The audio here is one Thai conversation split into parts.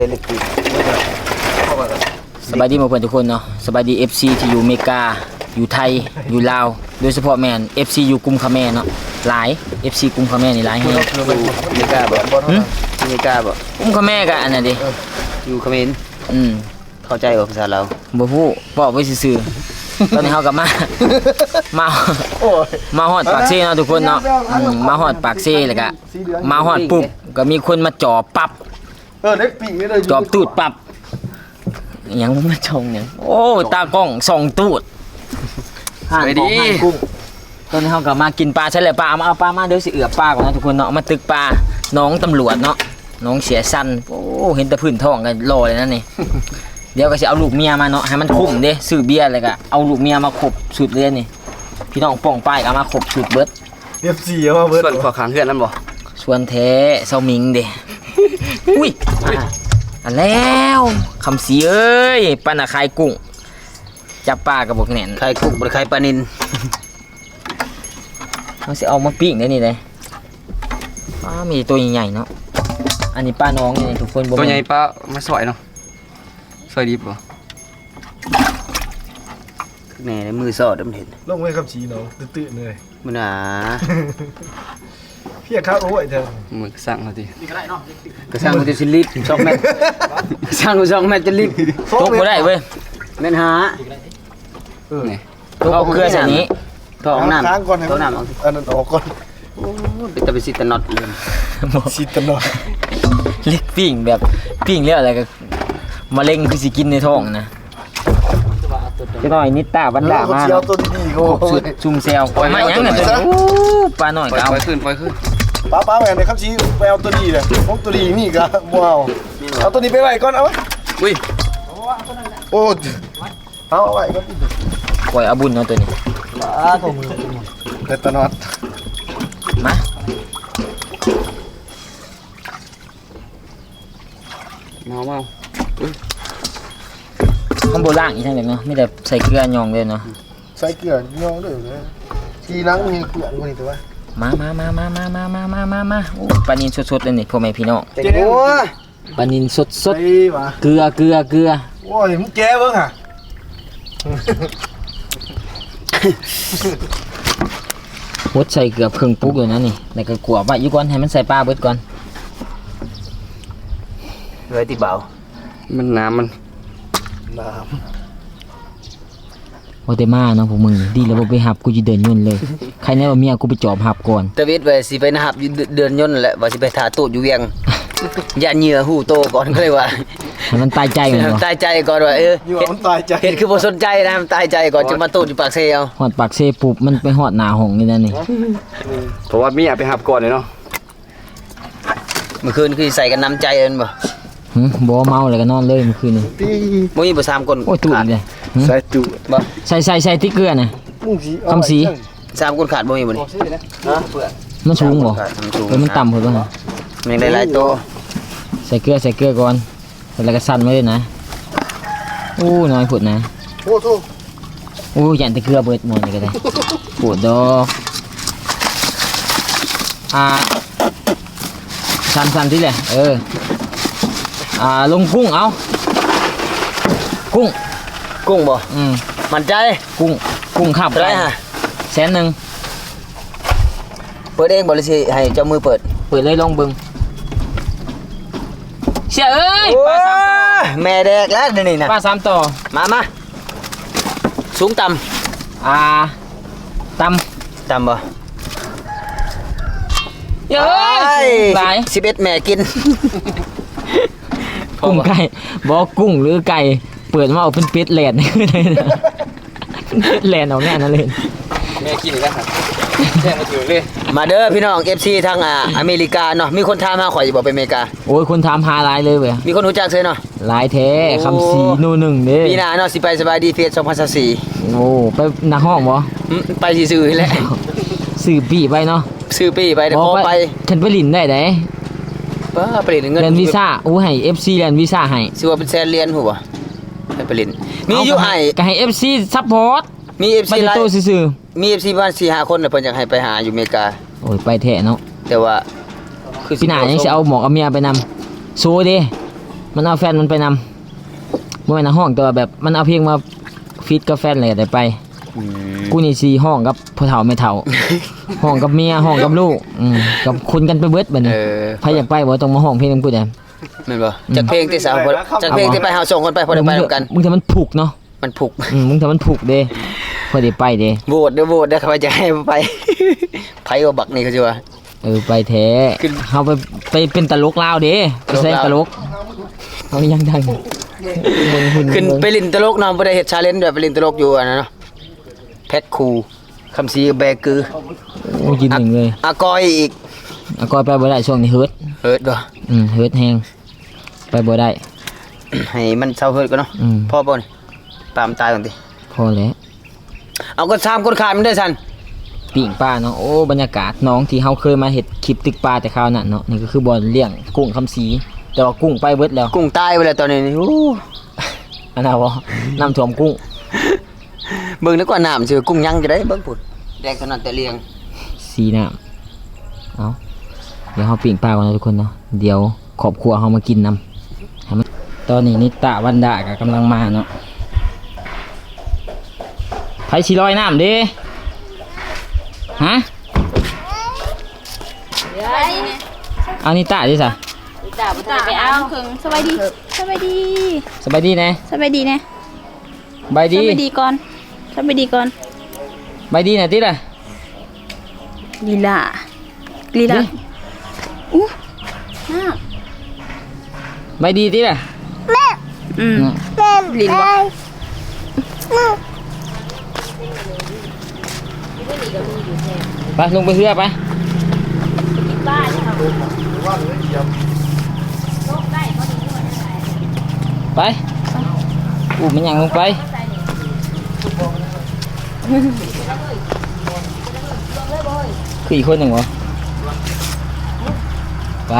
สบายดีหมดเพื่อนทุกคนเนาะสบายดี FC ที่อยู่อเมริกาอยู่ไทยอยู่ลาวโดยเฉพาะแมน FC อยู่กรุงคาแมเนาะหลาย FC กรุงคาแมนี่หลายแฮงอเมริกาบ่อเมริกาบ่กรุงคาแมก็อันนั้นดิอยู่เขมร เข้าใจภาษาเราวบ่ฮู้บอกไว้ซื่อๆตอนนี้เฮากลับมามาฮอดปากเซ่เนาะทุกคนเนาะมาฮอดปากเซ่แล้วก็มาฮอดปุ๊บก็มีคนมาจ่อปั๊บเล็กปีกนี่เลยจอบตูดปับยังมาชงเนี่ยโอ้ตากล้องส่องตูดห่านของห่านกุ้งตอนนี้เขากลับมากินปลาใช่เลยปลาเอาปลามาเดี๋ยวสิเอือบปลาก่อนนะทุกคนเนาะมาตึกปลาน้องตำรวจเนาะน้องเสียสันโอ้เห็นแต่พื้นท้องกันรอเลยนั่นนี่เดี๋ยวก็จะเอาลูกเมียมาเนาะให้มันคุ้มเด้ซื้อเบียร์อะไรก็เอาลูกเมียมาขบสุดเลยนี่พี่น้องป้องป้ายก็มาขบสุดเบิดเรียบสี่มาเบิร์ดส่วนขอขังเพื่อนนั่นบ่ส่วนแท้เซามิงเด้ อุ้ยอันแล้วคำสีเอ้ยปานาคายกุ้งจับปลากับบอกแหน่นใครกุกบ่ใครปลานินเขาสิเอามาปิ้งได้นี่เลยมีตัวใหญ่ๆเนาะอันนี้ป้าน้องนี่ทุกคนบอกตัวใหญ่ปลามาสวยเนาะสวยดิบบ่แน่ในมือสอดมันเห็นลงไว้คำชี้เนาะตื่นๆเลยมันหนาพี่ข้าวโอ้ยเธอมือสั่งเขาดิก็สั่งกูจะสิลิบ2 เมตรสั่งกู2 เมตรจะลิบตกบ่ได้เว้ยแม่นหานี่ตกเอาเกลือใส่นี้ท้องน้ำค้างก่อนให้ท้องน้ำเอาอันนั้นออกก่อนโอ้เป็นตะไปสิตะน็อตเลยชิดตลอดเล็กปิ้งแบบปิ้งเรียกอะไรก็มะเร็งคือสิกินในท้องนะจะหน่อยนิดตาบันดามาเชียวตัวดีๆโอ้สุดซุ่มแซวมาหยังน่ะตัวนี้ปลาหน่อยปล่ก็เอาอยขึ้นป้าแม่ในคำชี้ไปเอาตัวดีเลยพวกตัวดีนี่ก็ว้าวเอาตัวนี้ไปไว้ก่อนเอาไว้อุ้ยโอ้เอาไว้ก่อนปล่อยเอาบุญเนาะตัวนี้เด็ดตลอดมาเมาข้างบนล่างอีกทั้งเดียวเนาะไม่แต่ใส่เกลือยองเลยเนาะใส่เกลือย่อเลยนะทีนังมีเกลือคนนี้ตัวมาโอ้ปลานินสดๆเลยนี่พ่อแม่พี่น้องเจ๋งหัวปลานินสดเฮ้ยมาๆเกลือโอ้ยมึงแก้เบิ้งอ่ะหดใส่เกือบครึ่งปุ๊กเลยนะนี่แล้วก็กลัวว่าอยู่ก่อนให้มันใส่ปลาเบิดก่อนเลยที่เบามันน้ำมันน้โอเตมาเนาะพวกมึงดีแล้วบ่ไปหับกูจะเดินยุ่นเลยใครแน่ว่าเมียกูไปจอบหับก่อนตะวิดไปสิไปนะครับเดือนยนต์แหละว่าสิไปถ่าตูดอยู่เวียง อย่าเหงื่อหูโตก่อนก็เลยว่าให้มันตายใจเหมือนบ่ตายใจก่อนว่าำอยู่มันตายใจเห็นคือบ่สนใจนะมันตายใจก่อนจะมาตูดอยู่ปากเซลฮอดปากเซปุ๊บมันไปฮอดหน้าห้องนี่นั่นนี่เพราะว่ามีอยากไปหับก่อนเลยเนาะเมื่อคืนคือใส่กันน้ำใจเอิ้นบ่บ่เมาแล้วก็นอนเลยเมื่อคืนนี้บ่มีบ่3คนโอ้ยตูดเลยใส่จุบ่ใส่ที่เกลือน่ะมึงสีคำสี 3คนขาดบ่มีบ่นี่มันสูงบ่ขาดมันสูงมันต่ำเพิ่นบ่มันได้หลายโตใส่เกลือก่อนแล้วก็สั่นไว้เลยนะโอ้น้อยผุดนะโอ้โหโอ้ยันแต่เกลือเบิดหมดเลยก็ได้ปวดดอกสั่นที่แหละลงกุ้งเอากุ้งกุ้งบ่มั่นใจกุ้งขับเท่าไหร่ฮะ 100,000 เปิดเองบ่หรือสิให้เจ้ามือเปิดเปิดเลยลองเบิ่งเสียเอ้ยปลา3ต่อแม่แดกแล้วเดี๋ยวนี้นะปลา3ต่อมาสูงต่ตำำต่ำบ่เย้ยหลาย 11แม่กินกุ้งไก่บอกกุ้งหรือไก่เปิดมาเอาเป็นเป็ดแหลนเลยนะแหลนออกแน่นั่นเลยแม่กินอีกแล้วครับแม่มาถือเลยมาเด้อพี่น้อง FC ทางอเมริกาเนาะมีคนถามหาข่อยอยู่บ่ไปอเมริกาโอ้ยคนถามหาหลายเลยเว้ยมีคนรู้จักเซยเนาะหลายแท้คำสีโนหนึ่งเด้ปีหน้าเนาะสิไปสบายดีเฟส2024 โอ้ไปหน้าห้องบ่ไปซื่อๆนี่แหละสื่อปีไปเนาะซื้อปีไปเดี๋ยวพอไปฉันไปลินได้ไหนป้าไปเรียนเงินเรียนวีซ่าโอ้ให้ FC เรียนวีซ่าให้สิว่าเป็นแสนเหรียญหัวให้ไปเรียนมีอยู่ให้ก็ให้ FC ซัพพอร์ตมี FC ไปหลายโตซื่อมี FC ประมาณ 4-5 คนน่ะเพิ่นอยากให้ไปหาอยู่อเมริกาๆโอ้ยไปแท้เนาะแต่ว่าพี่หน้ายังสิเอาหมอกเอาเมียไปนำโซเด้มันเอาแฟนมันไปนำบ่แม่นห้องแต่ว่าแบบมันเอาเพลงมาฟีดกับแฟนเลยได้ไปกูนี่สิห้องกับพ่อเฒ่าแม่เฒ่า ห้องกับเมียห้องกับลูกกับคุณกันไปเบิดบัดนี้ใครอยากไปบ่ต้องมาห้องเพลงนำกูแดมแม่นบ่จัดเพลงที่สาวจัดเพลงที่ไปเฮาส่งคนไปพอได้ไปนํกันมึงถ้ามันผูกเนาะมันผูกมึงถ้ามันผูกเด้พอได้ไปเด้โหวตเด้อเขาจะให้ไป ไผว่าบักนี่เขาสิว่าไปแท้เฮาไปเป็นตลกลาวเด้ไปแสดงตลกเฮายังดังขึ้นไปลินตลกเนาะบ่ได้เฮ็ดชาเลนจ์แบบไปลินตลกอยู่อันนั้นเนาะแพทคูคำซีแบกือโอ้กินหนึ่งเลยอากอยอีกก็ไปบ่ได้ช่วงนี้เฮิร์ตเฮิดบ่เฮิร์ตแฮงไปบ่ได้ให้มันเศร้าเฮิดก่อนเนาะพ่อบ่นี่ปามตายก่อนติพอแล้วเอาก็3คนขาดมันได้ซั่นปิ่งปลาเนาะโอ้บรรยากาศน้องที่เฮาเคยมาเฮ็ดคลิปตึกปลาแต่คราวนั้นเนาะนี่ก็คือบ่อนเลี้ยงกุ้งคำสีแต่ว่ากุ้งไปเบิดแล้วกุ้งตายไปแล้วตอนนี้นี่อันน่ะบ่น้ำท่วมกุ้งเบิ่งนึกว่าน้ำสิกุ้งยังจะได้เบิ่งพุ่นแดงเท่านั้นแต่เลี้ยงสีน้ำเอาเดี๋ยวเฮาปิ่งปลาก่อนนะทุกคนเนาะเดี๋ยวครอบครัวเฮามากินนํให้มันตอนนี้นิตะวันดาก็กำลังมาเนาะไผสิลอยน้ำเด้ฮะเอานิตะดิซะตาไปเอาเพิ่งสบายดีสบายดีสบายดีแน่สบายดีนะบายสดีบายดีก่อนสบายดีก่อนบายดีน่ะติล่ะลีลาลีลาดิอู้น้าบายดีติล่ะอืมลินบ่ไปลงไปเรือไปไปอู้มันยังลงไปคืออีกคนหนึ่งเหรอไป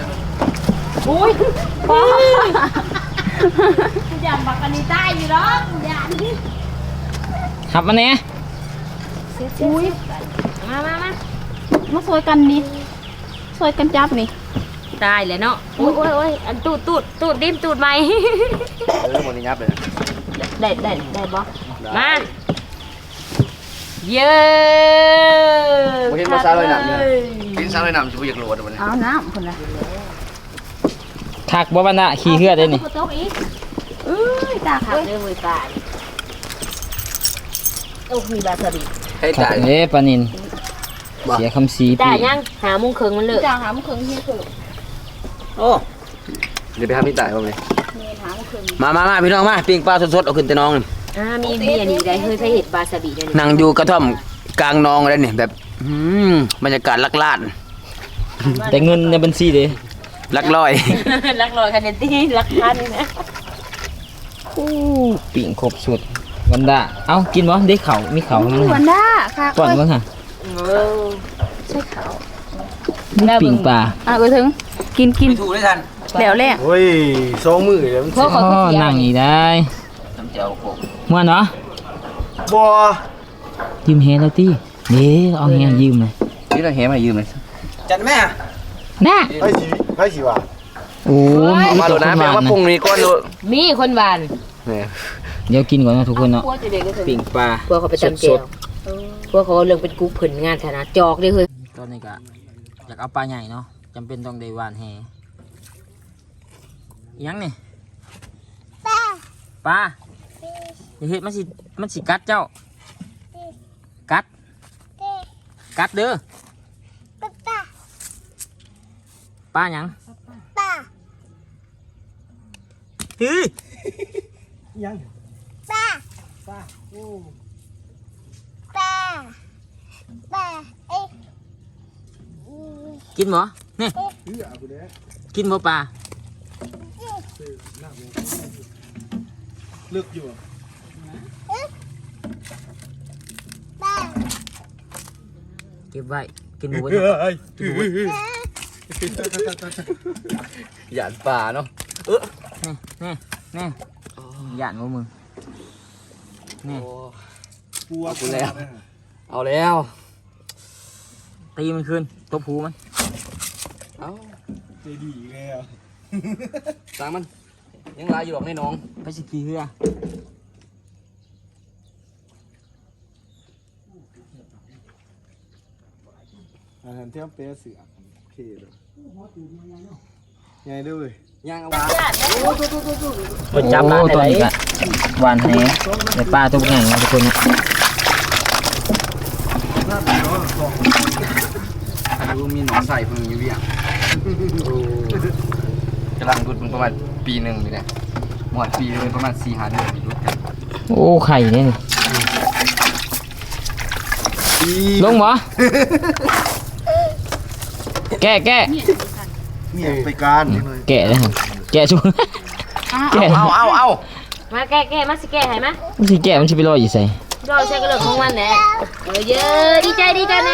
อย่าบักกันนี่ใต้อยู่หรอกอย่านี่หับมันเนี่ยอุ้ยมามาสวยกันนี่สวยกันจับนี่ตายแล้วเนาะโอ้ยอันตูดดิ้มตูดไหมหมดนี่ยับเลยได้บ่มาเย้บ่เห็นภาษาเลยน่ะกินซาเลยน่ะสิบ่อยากโหลดมันเอาน้ำคนละถักบ่บันดาขี่เหือได้นี่โต๊ะอีกเอ้ยตาขัขาบดเรื่องมือตายโอ้มีบาสบีให้ถัตาก ยเด้ปานินเสียคำสีตาปียังหามุงเคิงมันเลยจ่าหามเคิงเฮียเคิงโอ้เดี๋ยวไปหาพี่ตายบ่เลยเฮียหามเคิงมาพี่น้องมาปิ้งปลาสดๆเอาขึ้นแต่น้องนี่มีเบียนี่ได้เคยใช้เห็ดบาสบีได้นั่งอยู่กระท่อมกลางนองอะไรนี่แบบบรรยากาศลักลาดแต่เงินในบัญชีเด้ลักลอยรักลอยคะแนนที่รักพันนะอู้ปิ่งครบสุดวันดาเอ้ากินบ่ได้เข่ามีเข่ามั้งวันด้าค่ะก่อนมั้งค่ะใช่เขาปิ่งปลาไปถึงกินถูกได้ทันแล้วแหละโอ้ย2มื้อเดี๋ยวมันพวกเขาอ๋อเสียนั่งอีกได้น้ำเจียวโขกม่วนเนาะบ่ยืมแฮแล้วติเด้เอาแฮยืมเลยนี่เราแหมายืมเลยจัดแม่น่ะไผสิว่าโอ้มาโดดน้ำแปลว่าปรุงนี่ก่อนโดดมีคนหวานนี่เดี๋ยวกินก่อนนะทุกคนเนาะพวกจะเด็กก็ถึงปิ่งปลาพวกเขาไปจำเจียวพวกเขาเรื่องเป็นกุ๊กผลงานฐานะจอกเลยคือตอนนี้ก็อยากเอาปลาใหญ่เนาะจำเป็นต้องได้หวานแฮอิหยังนี่ปลาอย่าเฮ็ดมันสิกัดเจ้ากัดเด้อปลาหยังเฮ้ยกินบ่นี่กินบ่ปลาลึกอยู่เก็บไว้กินหมูไว้หยาดป่าเนาะนี่หยาดว่ามึงนี่เอากูแล้วเอาแล้วตีมันคืนตบหูมันเอาใจดีแล้วตามมันยังลายอยู่ดอกในน้องไปสิขี่เรืออาหารเที่ยวเป๊ะเสือโอเคเลยไงด้วยย่างเอาเปิดจับร้านตัวนี้ละหวานแหในปลาตัวใหญ่นะทุกคนนะดูมีหนอนใส่เพิ่งอยู่เวียงกำลังรุดมันประมาณปีหนึ่งอยู่เนี่ยหมดปีเลยประมาณ4-5 เดือนมีรุดกันโอ้ไข่เนี่ยลงบ่แกะเนี่ยไปการนี่เลยแกะเลยครับแกะช่วยแกะเอามาแก้มาสิแก้ให้มามันสิแกะมันสิไปลอยอยู่ใส่รอใช้กระเลิกของมันแหละเยอะดีใจแน่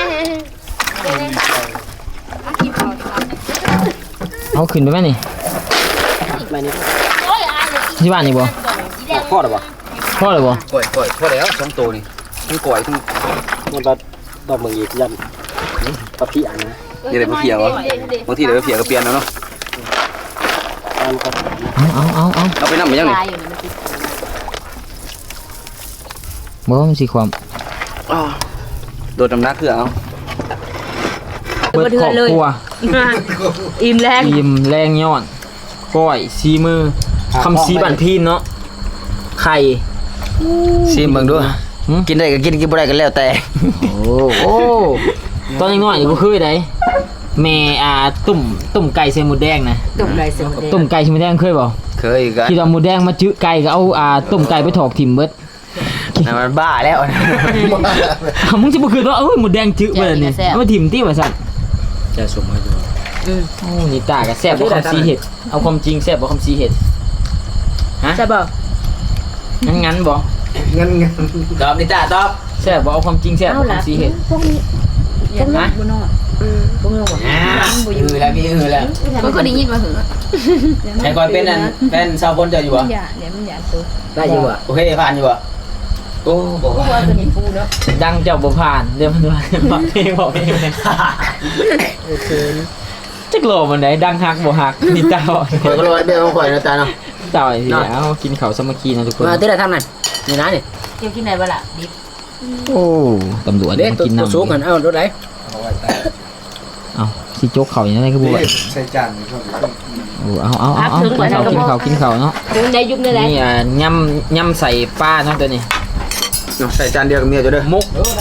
เอาขึ้นไปไหมนี่ที่บ้านนี่บ่พ่อหรือเปล่าพ่อเลยบ่ก่อยพ่อแล้ว2 ตัวนี่ทั้งก่อยทั้งมันตัดดอกมึงอีกยันปะพี่อันนะนี่เลยมาเพียวะบางทีเดี๋ยวไปเพียก็เปลี่ยนแล้วเนาะเอาเอาไปนั่งไปยังนี่ตายอยู่นะมันติดบ่มันสิความโดดน้ำหนักคือเอาเบิดครอบครัวอิ่มแรงอิ่มแรงย้อนก้อยซีมือคำซีบันพีนเนาะไข่ซิมเบิ่งดูกินได้ก็กินบ่ได้ก็แล้วแต่โอ้ตอนยังน้อยนี่กูเคยได้แม่ตุ่มไก่ใส่หมูแดงนะตุ่มไรเสียงตุ่มไก่ใส่หมูแดงเคยบ่เคยกันที่เราหมูแดงมาจื้อไก่ก็เอาตุ่มไก่ไปถอกถิ่มเบิดมันบ้าแล้วมึงสิบ่คือว่าหมูแดงจื้อเบิดนี่เอามาถิ่มติว่าซั่นจะสมให้ดูโอ้นี่ตาก็แซ่บบ่คำซีเห็ดเอาความจริงแซ่บบ่คำซีเห็ดฮะใช่ป่ะงั้นบ่งั้นตอบนิตาตอบแซ่บบ่เอาความจริงแซ่บบ่คำซีเห็ดพวกนี้พวกนี้บุญนอดพวกเราบอกแล้วพี่แล้วมันก็ได้ยินมาเหอะใครก่อนเป็นอันเป็นชาวคนจะอยู่มัอ่ะนอย่าเดี๋ยวมันอย่าตัวได้อยู่อ่ะโอเคผ่านอยู่อ่ะโอ้บอกพวกเราตัวนี้ฟูเนาะดังเจ้าบ่ผ่านเดี๋ยวมันว่าบอกเพลงบอกเพลงจักโลมันไหนดังฮักบ่ฮักนี่ตาบอกข่อยก็รอเบี้ยของข่อยนะตาเนาะตาสิเอากินข้าวสามัคคีนะทุกคนมาที่ไหนทำนั่นนี่นะนี่เกี่ยวกินไหนบ้างล่ะดิบโอ้ตำรวจเด็ดมาตัวกินน้ำสูงกันเอารถไหนสิโจกเขาอย่างไรคือบ่ว่าใส่จานนี่ช่วงโอ้เอากินข้าวเนาะเดินได้ยุบได้แล้วนี่ย่ำใส่ป้าเนาะตัวนี้ใส่จานเดียวกับเมียจะเด้อ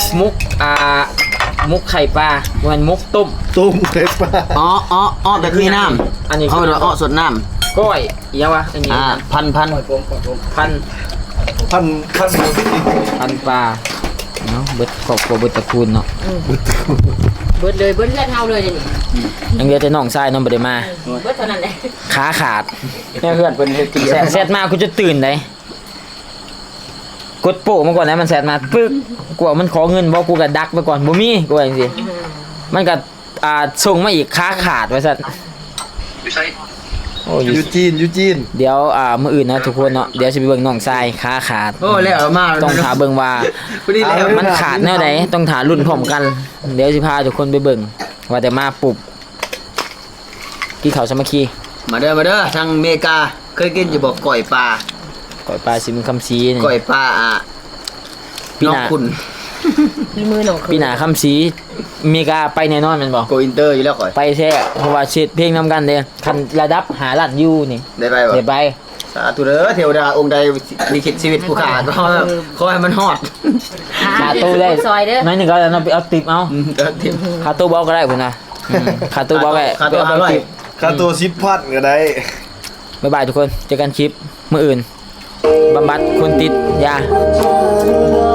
มุกไข่ปลามันมุกต้มตุ้มเล็บปลาอ๋อแบบมีน้ำอันนี้เขาเป็นว่าสดน้ก้อยยังวะอันนี้ำพันพันพันพันปลาเนาะเบิดครอบครัวเบิดตระกูลเนาะเบิดเลยเบิดเลือดเท่าเลยนี่ยังเหลือแต่น้องชายน้องบ่ได้มาเบิดเท่านั้นแหละขาขาดเนี่ยเพื่อนเป็นกินแซดมากูจะตื่นได้กดโป้มาก่อนนะมันแซดมาปึ๊กกว่ามันขอเงินบ่กูก็ดักไปก่อนบ่มีกูว่าจังซี่มันก็ส่งมาอีกขาขาดว่าซั่นโอ้ยยูจีนเดี๋ยวมื้ออื่นนะทุกคนเนาะเดี๋ยวสิไปเบิ่งน้องชายขาขาดโอ้แล้วมาต้องถาเบิ่งว่า มันขาดแนวใดต้องถารุ่นพร้อมกัน เดี๋ยวสิพาทุกคนไปเบิ่งว่าแต่มาปุบกินข้าวสามัคคีมาเด้อทางอเมริกาเคยกินอยู่บอกก่อยปลาก่อยปลาสิมคำซีนี่ก่อยปลาพี่นาน้องคุณมีมือหนองปีหน้าคำซีอเมริกาไปแน่นอนแม่นบ่โกอินเตอร์อยู่แล้วก่อยไปแท้เพราะว่าเช็ดเพลงนำกันเด้คันระดับหาล้านยูนี่ได้ไปบ่เดี๋ยวไปสาธุเด้อเทวดาองค์ใดลิขิตชีวิตผู้ขาก็ขอให้มันฮอดขาตู้ได้ซอยเด้อน้อยหนึงก็เอาไปเอาติปเอาทีมขาตู้เบาก็ได้พุ่นน่ะขาตู้เบาก็ได้ขาตู้ไปเอา 500 ติปค่าตัว10,000ก็ได้บ๊ายบายทุกคนเจอกันคลิปมื้ออื่นบำบัดคนติดยา